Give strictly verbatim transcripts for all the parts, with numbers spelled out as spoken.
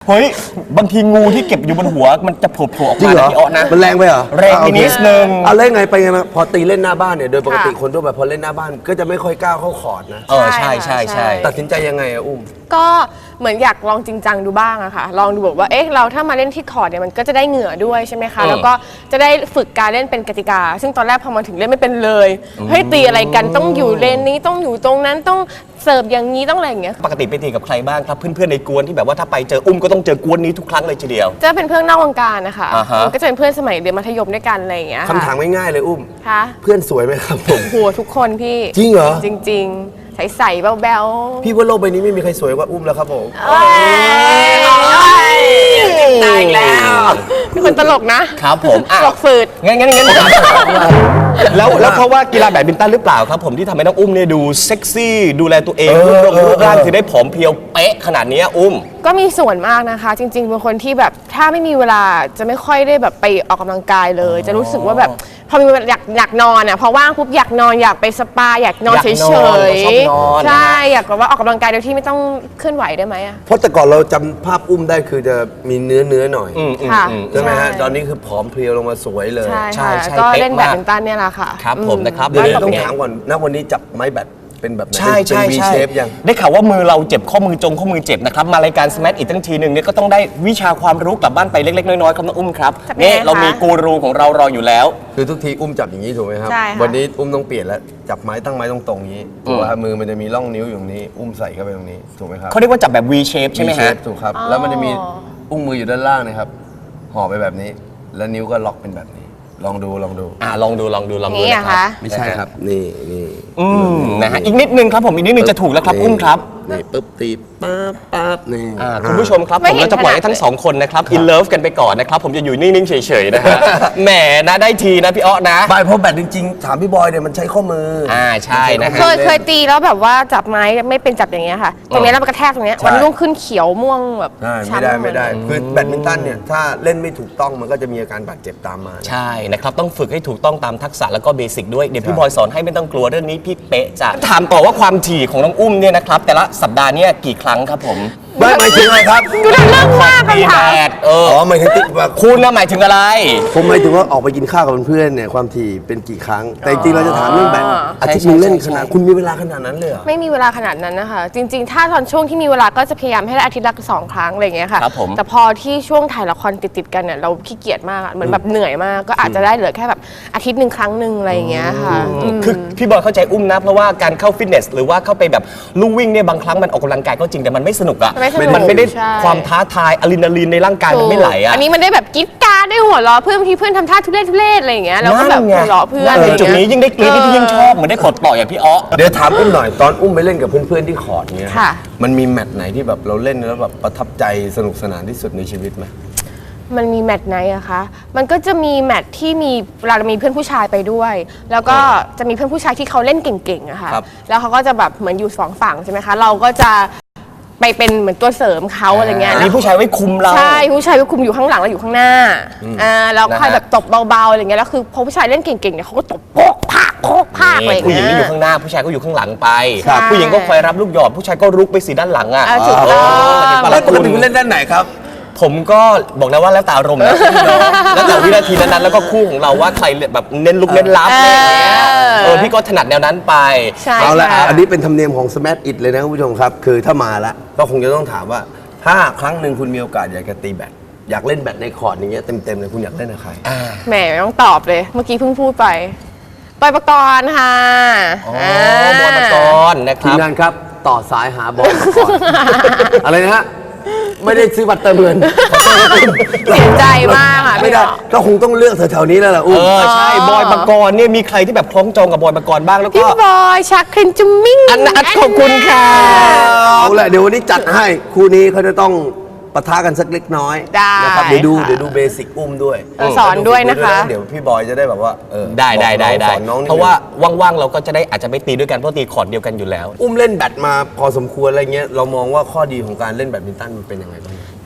เฮ้ยบางทีงูที่เก็บอยู่บนหัวมันจะโผล่ออกจริงมาเหรอพี่อ้อนะมันแรงไปเหรอแรงไปนิดนึงเอาเล่นไงไปไงมาพอตีเล่นหน้าบ้านเนี่ยโดยปกติคนทั่วไปพอเล่นหน้าบ้านก็จะไม่ค่อยกล้าเข้าคอร์ตนะเออใช่ใช่ใช่ตัดสินใจยังไงอะอุ้มก็เหมือนอยากลองจริงจังดูบ้างอะค่ะลองดูแบบว่าเอ๊ะเราถ้ามาเล่นที่คอร์ตเนี่ยมันก็จะได้เหงื่อด้วยใช่ไหมคะแล้วก็จะได้ฝึกการเล่นเป็นกติกา ซึ่งตอนแรกพอมาถึงเล่นไม่เป็นเลยเฮ้ยตีอะไรกันต้องอยู่เลนนี้ต้องอยู่ตรงนั้นต้องเสิร์ฟอย่างนี้ต้องอะไรอย่างเงี้ยปกติไปตีกับใครบ้างครับเพื่อนๆในกวนที่แบบว่าถ้าไปเจออุ้มก็ต้องเจอกวนนี้ทุกครั้งเลยทีเดียวจะเป็นเพื่อนนอกวงการนะคะอ่าฮะก็จะเป็นเพื่อนสมัยเรียนมัธยมด้วยกันอะไรอย่างเงี้ยคำถามง่ายๆเลยอุ้มค่ะเพื่อนสวยไหมครับผมโหทุกคนพี่จริงเหรอจริงๆใสๆแบ๊วๆพี่ว่าโลกใบนี้ไม่มีใครสวยกว่าอุ้มแล้วครับผมเอ้ยตายแล้วเป็นคนตลกนะครับผมอ่ะตลกฝืดงั้นงั้นงั้นแล้วแล้วเพราะว่ากีฬาแบดมินตันหรือเปล่าครับผมที่ทำให้น้องอุ้มเนี่ยดูเซ็กซี่ดูแลตัวเองรูปร่างรูปร่างถึงได้ผอมเพรียวเป๊ะขนาดนี้อุ้มก็มีส่วนมากนะคะ จริงๆเป็นคนที่แบบถ้าไม่มีเวลาจะไม่ค่อยได้แบบไปออกกำลังกายเลย จะรู้สึกว่าแบบพอมีเวลาอยากอยากนอนอ่ะพอว่างปุ๊บอยากนอนอยากไปสปาอยากนอนอยากเฉนยอนชอบนอนๆใช่อยากแบบว่าออกกำลังกายโดยที่ไม่ต้องเคลื่อนไหวได้ไหมอ่ะเพราะแต่ก่อนเราจำภาพอุ้มได้คือจะมีเนื้อเนื้อหน่อยอืมอืมค่ะอืมใช่ไหมฮะตอนนี้คือผอมเพรียวลงมาสวยเลยใช่ใช่ค่ะใช่ก็เป๊ะเล่นแบดมากมินตันเนี่ยแหละค่ะครับผมนะครับเดี๋ยวแล้วต้องเป็นไงถามก่อนณวันนี้จับไม้แบตเป็นแบบไหนใช่ใช่เป็น V ใช่ shape ยังได้ข่าวว่ามือเราเจ็บข้อมือจงข้อมือเจ็บนะครับมารายการ Smash อีกตั้งทีหนึ่งเนี่ยก็ต้องได้วิชาความรู้กลับบ้านไปเล็กๆน้อยๆครับน้องอุ้มครับจะเป็นไงนี่คะเรามีกูรูของเรารออยู่แล้วคือทุกทีอุ้มจับอย่างนี้ถูกไหมครับใช่ค่ะวันนี้อุ้มต้องเปลี่ยนแล้วจับไม้ตั้งไม้ตรงๆอย่างนี้ถูกไหมครับมือมันจะมีร่องนิ้วอยู่ตรงนี้ อุ้มใส่เข้าไปตรงนี้ถูกไหมครับเขาเรียกว่าจับแบบ V shape ใช่ไหม V ฮะ shape ถูกครับแล้วมันจะมีอุ้งมืออยู่ด้านล่างนะครับห่อไปแบบนี้ แล้วนิ้วก็ล็อกเป็นแบบนี้ ลองดูลองดูอ่าลองดูลองดูลองดูนี่นะอะครัคะบไม่ใช่ครับนี่นี่อืมนะฮะอีกนิดนึงครับผมอีกนิดนึงจะถูกแล้วครับอุ้มครับนี่ปุ๊บตีปั๊บปั๊บนี่อ่าคุณผู้ชมครับไม่ผมเห็นเราจะปล่อยให้ขนาดทั้งสองคนนะครับอินเลิฟกันไปก่อนนะครับผมจะอยู่นิ่งๆเฉยๆนะฮะ แหมนะได้ทีนะพี่อ้อนะบายเพราะแบตจริงๆถามพี่บอยเนี่ยมันใช้ข้อมืออ่าใช่นะฮะเคยเคยตีแล้วแบบว่าจับไม้ไม่เป็นจับอย่างเงี้ยค่ะ ตรงเนี้ยแล้วมันกระแทกตรงเนี้ยใช่วันรุ่งขึ้นเขียวม่วงแบบใช่ไม่ช้ำได้หไม่ได้เลยคือแบดมินตันเนี่ยถ้าเล่นไม่ถูกต้องมันก็จะมีอาการบาดเจ็บตามมานะใช่นะครับต้องฝึกให้ถูกต้องตามทักษะแล้วก็เบสิกด้วยเดี๋ยวพี่บอยสอนให้ไม่ต้องกลัวเรื่องนี้พี่เป๊ะจ้ะถามต่อว่าความถี่ของน้องอุ้มเนี่ยนะครับแต่ละสัปดาห์เนี่ยกี่ครั้งครับผมไม่หมายถึงอะไรครับดูดันเลิกมากตีคำถามแบดเอออ๋อหมายถึงติว่าคุณนะหมายถึงอะไรผมหมายถึงว่าออกไปกินข้าวกับเพื่อนๆเนี่ยความถี่เป็นกี่ครั้ง แต่จริงๆเราจะถามเรื่องแบดอาทิตย์หนึงเล่นขนาดคุณมีเวลาขนาดนั้นเลยเหรอไม่มีเวลาขนาดนั้นนะคะ จริง ๆ ถ้าตอนช่วงที่มีเวลาก็จะพยายามให้ได้อาทิตย์ละสองครั้งอะไรอย่างเงี้ยค่ะครับผมแต่พอที่ช่วงถ่ายละครติดๆกันเนี่ยเราขี้เกียจมากอะเหมือนแบบเหนื่อยมากก็อาจจะได้เหลือแค่แบบอาทิตย์หนึ่งครั้งหนึ่งอะไรอย่างเงี้ยค่ะอืมคือพี่บอยเข้าใจอุ้มนะเพราะว่าการเข้าฟิตเนสหรือว่าเข้าไปแบบลู่วิ่งเนี่ยบางครั้งมันออกกำลังกายก็จริงแต่มันไม่สนุกอะไม่สนุกมันไม่ได้ใช่ความท้าทายอะดรีนาลีนในร่างกายมันไม่ไหลอะอันนี้มันได้แบบกิ๊ดการ์ดได้หัวเราะเพื่อนบางทีเพื่อนทำท่าทุเรศทุเรศอะไรอย่างเงี้ยเราก็แบบหัวเราะเพื่อนอะไรอย่างจุดเงี้ยนี้ยิ่งได้กรี๊ดนี่พี่ยิ่งชอบเหมือนได้กดต่ออย่างพี่อ้อเดี๋ยวถามอุ้มหน่อยตอนอุ้มไปเล่นกับเพื่อนๆที่คอร์ดเนี่ยค่ะมันมีแมตช์ไหนที่แบบเราเล่นแล้วแบบประทับใจสนุกสนานที่สุดในชีวิตไหมมันมีแมตช์ไหนอะคะ มันก็จะมีแมตช์ที่มีเวลาเรามีเพื่อนผู้ชายไปด้วย แล้วก็จะมีเพื่อนผู้ชายที่เขาเล่นเก่งๆอะค่ะครับแล้วเขาก็จะแบบเหมือนอยู่สองฝั่งใช่ไหมคะ เราก็จะไปเป็นเหมือนตัวเสริมเขาอะไรเงี้ยมีผู้ชายไว้คุมเราใช่ผู้ชายก็คุมอยู่ข้างหลังเราอยู่ข้างหน้าอ่าแล้วนะฮะคอยแบบตบเบาๆอะไรเงี้ยแล้วคือพอผู้ชายเล่นเก่งๆเนี่ยเขาก็ตบโปกพากโคกพากอะไรอย่างผู้หญิงเงี้ก็ยอยู่ข้างหน้าผู้ชายก็อยู่ข้างหลังไปครับผู้หญิงก็คอยรับลูกหยอดผู้ชายก็รุกไปสีด้านหลังอ่ะอ่าถูกต้องเออแล้วปคุกณติคุณเล่นด้านไหนครับผมก็บอกแล้วว่าแล้วแต่อารมณ์นะพี่น้องแล้วแต่วินาทีนั้นๆแล้วก็คู่ของเราว่าใครแบบเน้นลุกเน้นรับอะไรอย่างเงี้ยเออพี่ก็ถนัดแนวนั้นไปใช่เอาละค่ะอันนี้เป็นธรรมเนียมของ Smash It เลยนะคุณผู้ชมครับ คือถ้ามาละก็คงจะต้องถามว่า ถ้าครั้งหนึ่งคุณมีโอกาสอยากจะตีแบดอยากเล่นแบดในคอร์ดอย่างเงี้ยเต็มๆเลยคุณอยากเล่นกับใครแหมไม่ต้องตอบเลย เมื่อกี้เพิ่งพูดไปบอยปกรณ์ค่ะอ๋อาบอยปกรณ์นะคทีรัมบงานครับ ต่อสายหาบอลก่อน อะไรนะฮะ ไม่ได้ซื้อบัตรเติมเงินเสียใจมากค่ะไม่พี่ได้น้องก็คงต้องเลือกแถวๆนี้แล้วล่ะอุ้เอมอใช่บอยปกรณ์เนี่ยมีใครที่แบบคล้องจองกับบอยปกรณ์บ้างแล้วก็พี่บอยชักครินจุมมิ่งอันนัทขอบคุณค่ะเอาละเดี๋ยววันนี้จัดให้คู่นี้เขาจะต้องปะทะกันสักเล็กน้อยได้นะครับเดี๋ยวดูค่ะเดี๋ยวดูเบสิกอุ้มด้วยเออสอนด้วยนะคะเดี๋ยวพี่บอยจะได้แบบว่าเออได้ได้ได้ได้สอนน้องนิดนึงเพราะว่าว่างๆเราก็จะได้อาจจะไม่ตีด้วยกันเพราะตีคอร์ดเดียวกันอยู่แล้วอุ้มเล่นแบดมาพอสมควรอะไรเงี้ยเรามองว่าข้อดีของการเล่นแบดมินตันมันเป็นยังไงบ้างจ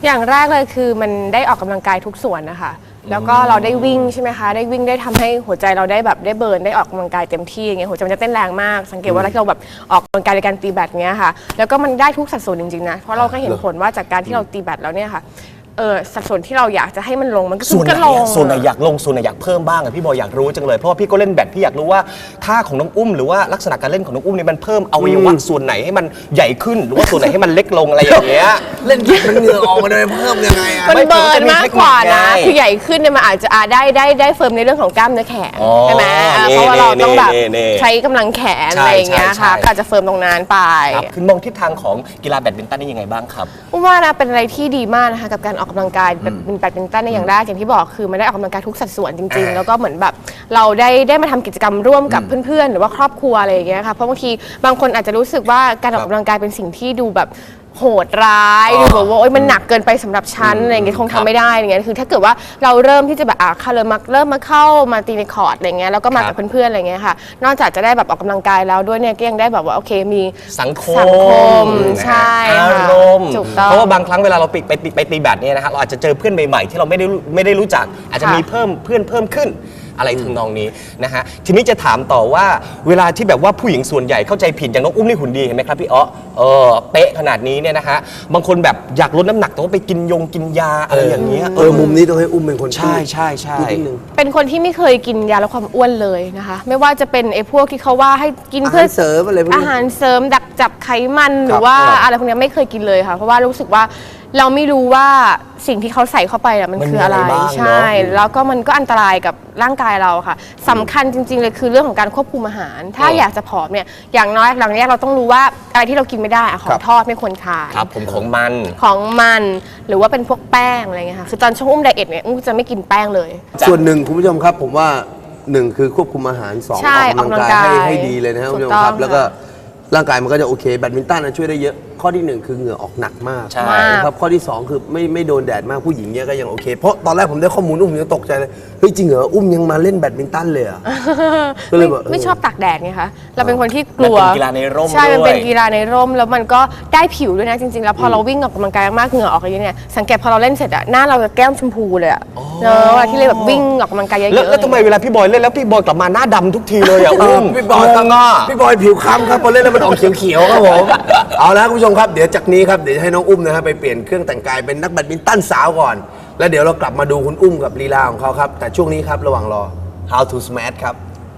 อย่างแรกเลยคือมันได้ออกกำลังกายทุกส่วนนะคะแล้วก็เราได้วิ่งใช่ไหมคะได้วิ่งได้ทำให้หัวใจเราได้แบบได้เบิร์นได้ออกกำลังกายเต็มที่อย่างเงี้ยหัวใจมันจะเต้นแรงมากสังเกตว่าเราเราแบบออกกำลังกายในการตีแบดเงี้ยค่ะแล้วก็มันได้ทุกสัดส่วนจริงๆนะเพราะเราก็เห็นผลว่าจากการที่เราตีแบดแล้วเนี่ยค่ะเออสัดส่วนที่เราอยากจะให้มันลงมันก็ส่วนไหนก็ลงอะส่วนไหนอยากลงส่วนไหนอยากเพิ่มบ้างอะพี่บอยอยากรู้จังเลยเพราะว่าพี่ก็เล่นแบดพี่อยากรู้ว่าท่าของน้องอุ้มหรือว่าลักษณะการเล่นของน้องอุ้มเนี่ยมันเพิ่มอวัยวะส่วนไหนให้มันใหญ่ขึ้นหรือว่าส่วนไหนให้มันเล็กลงอะไรอย่างเงี้ยเล่นกีฬามันเหงื่อออกมาเลยเพิ่มยังไงอะมันไม่เบิร์นมากกว่านะเทคนิคไงคือใหญ่ขึ้นเนี่ยมันอาจจะอ่าได้ได้ได้เฟิร์มในเรื่องของกล้ามเนื้อแขนอ๋อใช่ไหมอ่านี่เพราะว่าเราต้องแบบนี่นี่ใช้กำลังแขนใช่อะไรอย่างเงี้ยใช่ค่ะใช่ก็อาจจะเฟิร์มตรงนั้นไปครับคือมองทิศทางของกีฬาแบดมินตันนี่ยังไงบ้างครับอุ้มว่านะเป็นอะไรที่ดีมากนะคะกับการออกกำลังกายแบบเป็นแบดมินตันในอย่างแรกอย่างที่บอกคือมันได้ออกกำลังกายทุกสัดส่วนจริง ๆ แล้วก็เหมือนแบบเราได้ได้มาทำกิจกรรมร่วมกับเพื่อนๆ หรือว่าครอบครัวอะไรอย่างเงี้ยค่ะเพราะบางทีบางคนอาจจะรู้สึกว่าการออกกำลังกายเป็นสิ่งที่ดูแบบโหดร้ายดูแบบว่าโอ๊ยมันหนักเกินไปสำหรับฉันอะไรอย่างเงี้ยคงทำไม่ได้อะไรเงี้ยคือถ้าเกิดว่าเราเริ่มที่จะแบบอ่ะค่ะเริ่มมาเริ่มมาเข้ามาตีในคอร์ดอะไรเงี้ยแล้วก็มากับเพื่อนๆอะไรเงี้ยค่ะนอกจากจะได้แบบออกกำลังกายแล้วด้วยเนี่ยก็ยังได้แบบว่าโอเคมีสังคสังคมมใช่อาค่ะรมณ์ถูกต้องเพราะว่าบางครั้งเวลาเราไปไปไปไปตีแบดเนี่ยนะฮะเราอาจจะเจอเพื่อนใหม่ๆที่เราไม่ได้รู้ไม่ได้รู้จัก อาจจะค่ะมีเพิ่มเพื่อนเพิ่มขึ้นอะไรทำนองนี้นะฮะทีนี้จะถามต่อว่าเวลาที่แบบว่าผู้หญิงส่วนใหญ่เข้าใจผิดอย่างน้องอุ้มนี่หุ่นดีเห็นไหมครับพี่อ๊อเออเป๊ะขนาดนี้เนี่ยนะฮะบางคนแบบอยากลดน้ำหนักแต่ว่าไปกินยงกินยาอะไรอย่างเงี้ยเออมุมนี้ต้องให้อุ้มเป็นคนพูดใช่ใช่ใช่พูดนิดนึงเป็นคนที่ไม่เคยกินยาลดความอ้วนเลยนะคะ ไม่ว่าจะเป็นไอ้พวกที่เขาว่าให้กินอาเพื่หารเสริมอะไรพวกนี้อาหารเสริมดักจับไขมันหรือว่าอะไรพวกนี้ไม่เคยกินเลยค่ะ เพราะว่ารู้สึกว่าเราไม่รู้ว่าสิ่งที่เขาใส่เข้าไปน่ะมันมันคืออะไรมีอะไรบ้างเนอะใช่ แล้วก็มันก็อันตรายกับร่างกายเราค่ะสำคัญจริง ๆ เลยคือเรื่องของการควบคุมอาหาร ถ้าอยากจะผอมเนี่ยอย่างน้อยหลังแรกเราต้องรู้ว่าอะไรที่เรากินไม่ได้อะขอครังบทอดไม่ควรทานครับผมของมันของมันหรือว่าเป็นพวกแป้งอะไรเงี้ยค่ะคือตอนช่วงอุ้มไดเอทเนี่ยอุ้มจะไม่กินแป้งเลยส่วนหนึ่งคุณผู้ชมครับผมว่าหนึ่งคือควบคุมอาหารสองใช่ออกกำลังกายออกกำลังกายให้ให้ดีเลยนะครับถูคุณกผู้ชมครับต้องแล้วก็ร่างกายมันก็จะโอเคแบดมินตันนะช่วยได้เยอะข้อที่หนึ่งคือเหงื่อออกหนักมากใช่นะครับข้อที่สองคือไม่ไม่โดนแดดมากผู้หญิงเนี่ยก็ยังโอเคเพราะตอนแรกผมได้ข้อมูลอุ้มยังตกใจเลยเฮ้ยจริงเหรออุ้มยังมาเล่นแบดมินตันเลยเหรอ ก็เลยไม่บอกเออไม่ชอบตากแดดไงคะเราเป็นคนที่กลัวมันเป็นกีฬาในร่มใช่มันเป็นด้วยกีฬาในร่มแล้วมันก็ได้ผิวด้วยนะจริงๆ แล้วพอเราวิ่งออกกำลังกายมากเหงื่อออกอะไรเนี่ยสังเกตพอเราเล่นเสร็จอะหน้าเราจะแก้มชมพูเลยอะเนอะเวลาที่เลยแบบวิ่งออกกำลังกายเยอะๆแล้วแล้วทำไมเวลาพี่บอยเล่นแล้วพี่บอยกลับมาหน้าดำทุกทีเลยอ่ะเออุ้อมพี่บอยครับงงอ่ะพี่บอยผิวคล้ำครับพอเล่นแล้วมันออกเขียวๆครับผม เอาละคุณผู้ชมครับเดี๋ยวจากนี้ครับเดี๋ยวจะให้น้องอุ้มนะฮะไปเปลี่ยนเครื่องแต่งกายเป็นนักแบดมินตันสาวก่อน แล้วเดี๋ยวเรากลับมาดูคุณอุ้มกับลีลาของเขาครับ แต่ช่วงนี้ครับระหว่างรอ How to Smash ครับ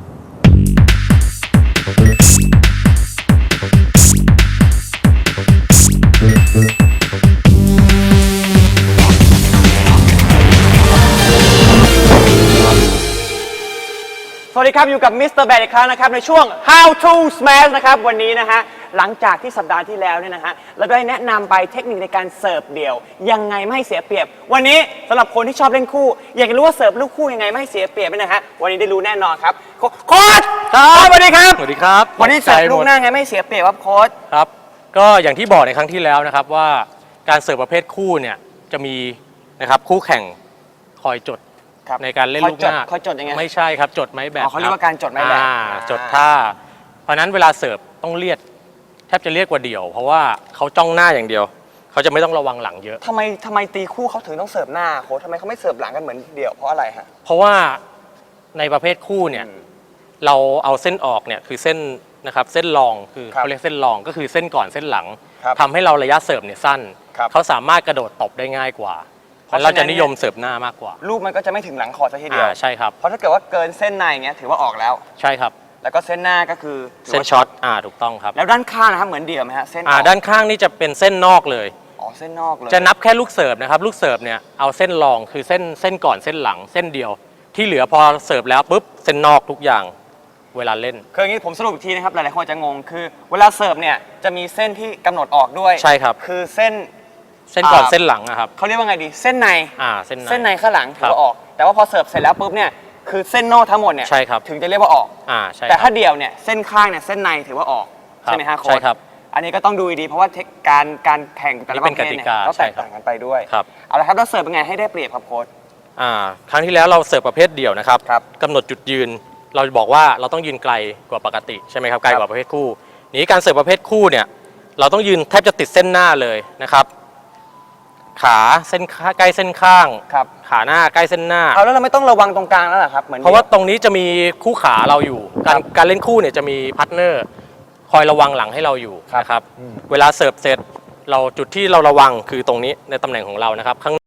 สวัสดีครับอยู่กับมิสเตอร์แบดอีกครั้งนะครับในช่วง How to Smash นะครับวันนี้นะฮะหลังจากที่สัปดาห์ที่แล้วเนี่ยนะฮะเราได้แนะนำไปเทคนิคในการเสิร์ฟเดี่ยวยังไงไม่ให้เสียเปรียบ วันนี้สำหรับคนที่ชอบเล่นคู่ อยากจะรู้ว่าเสิร์ฟลูกคู่ยังไงไม่ให้เสียเปรียบเนี่ยนะฮะวันนี้ได้รู้แน่นอนครับโค้ชโค้ชสวัสดีครับสวัสดีครับวันนี้เสิร์ฟตกใจหมดลูกหน้าไงไม่ให้เสียเปรียบครับโค้ชครับก็อย่างที่บอกในครั้งที่แล้วนะครับว่าการเสิร์ฟประเภทคู่เนี่ยจะมีนะครับคู่แข่งคอยจดครับในการเล่นลูกหน้าคอยจดยังไงไม่ใช่ครับจดไม้แบบอ๋อเขาเรียกว่าคบการจดไม้แบบอ่าอ่าจดท่าเพราะฉะนั้นเวลาเสิร์ฟต้องเลียดแทบจะเรียกว่าเดี่ยว เพราะว่าเขาจ้องหน้าอย่างเดียวเขาจะไม่ต้องระวังหลังเยอะทำไมทำไมตีคู่เขาถึงต้องเสิร์ฟหน้าโค้ชทำไมเขาไม่เสิร์ฟหลังกันเหมือนเดี่ยวเพราะอะไรฮะเพราะว่าในประเภทคู่เนี่ยอืมเราเอาเส้นออกเนี่ยคือเส้นนะครับเส้นรองคือครับเขาเรียกเส้นรองก็คือเส้นก่อนเส้นหลังครับทำให้เราระยะเสิร์ฟเนี่ยสั้นครับเขาสามารถกระโดดตบได้ง่ายกว่าเพราะฉะนั้นเราจะนิยมเสิร์ฟหน้ามากกว่าลูกมันก็จะไม่ถึงหลังคอร์ตซะทีเดียวอ่าใช่ครับเพราะถ้าเกิดว่าเกินเส้นในอย่างเงี้ยถือว่าออกแล้วใช่ครับแล้วก็เส้นหน้าก็คือถืเส้นว่าช็อตอ่าถูกต้องครับแล้วด้านข้างนะครับเหมือนเดี่ยวไหมฮะเส้นออ่าอกด้านข้างนี่จะเป็นเส้นนอกเลยอ๋อเส้นนอกเลยจะนับแค่ลูกเสิร์ฟนะครับลูกเสิร์ฟเนี่ยเอาเส้นรองคือเส้นเส้นก่อนเส้นหลังเส้นเดียว ที่เหลือพอเสิร์ฟแล้วปุ๊บเส้นนอกทุกอย่างเวลาเล่นคืออย่างนี้ผมสรุปอีกทีนะครับหลายๆคนอาจจะงงคือ เวลาเสิร์ฟเนี่ยจะมีเส้นที่กำหนดออกด้วยใช่ครับคือเส้นเส้นก่อนอ่าเส้นหลังนะครับเขาเรียกว่าไงดีเส้นในอ่าเส้นในเส้นในข้างหลังถือครับว่าออก แต่ว่าพอเสิร์ฟเสร็จแล้วปุ๊บเนี่ยคือเส้นนอกทั้งหมดเนี่ยใช่ครับถึงจะเรียกว่าออกอ่าใช่แต่คถ้ารับเดี่ยวเนี่ยเส้นข้างเนี่ยเส้นในถือว่าออกครับใช่ไหมฮะโค้ชใช่ครับอันนี้ก็ต้องดูดีๆเพราะว่าเทคการการแข่งแต่ละนี่ปเป็นระเภทกติเนี่ยกาก็แตกใช่ครับต่างกันไปด้วยครับเอาละครับแล้วเสิร์ฟเป็นไงให้ได้เปรียบครับโค้ชอ่าครั้งที่แล้วเราเสิร์ฟประเภทเดี่ยวนะครับครับกำหนดจุดยืน เราบอกว่าเราต้องยืนไกลกว่าปกติใช่ไหมครับไกลกว่าประเภทคู่นี้การเสิร์ฟประเภทคู่เนี่ยเราต้องยืนแทบจะติดเส้นหน้าเลยนะครับขาเส้นข้าใกล้เส้นข้างครับขาหน้าใกล้เส้นหน้าเอาแล้วเราไม่ต้องระวังตรงกลางแล้วเหรอครับเหมือนเพราะว่าตรงนี้จะมีคู่ขาเราอยู่ การการเล่นคู่เนี่ยจะมีพาร์ทเนอร์คอยระวังหลังให้เราอยู่นะครับเวลาเสิร์ฟเสร็จเราจุดที่เราระวังคือตรงนี้ในตำแหน่งของเรานะครับข้าง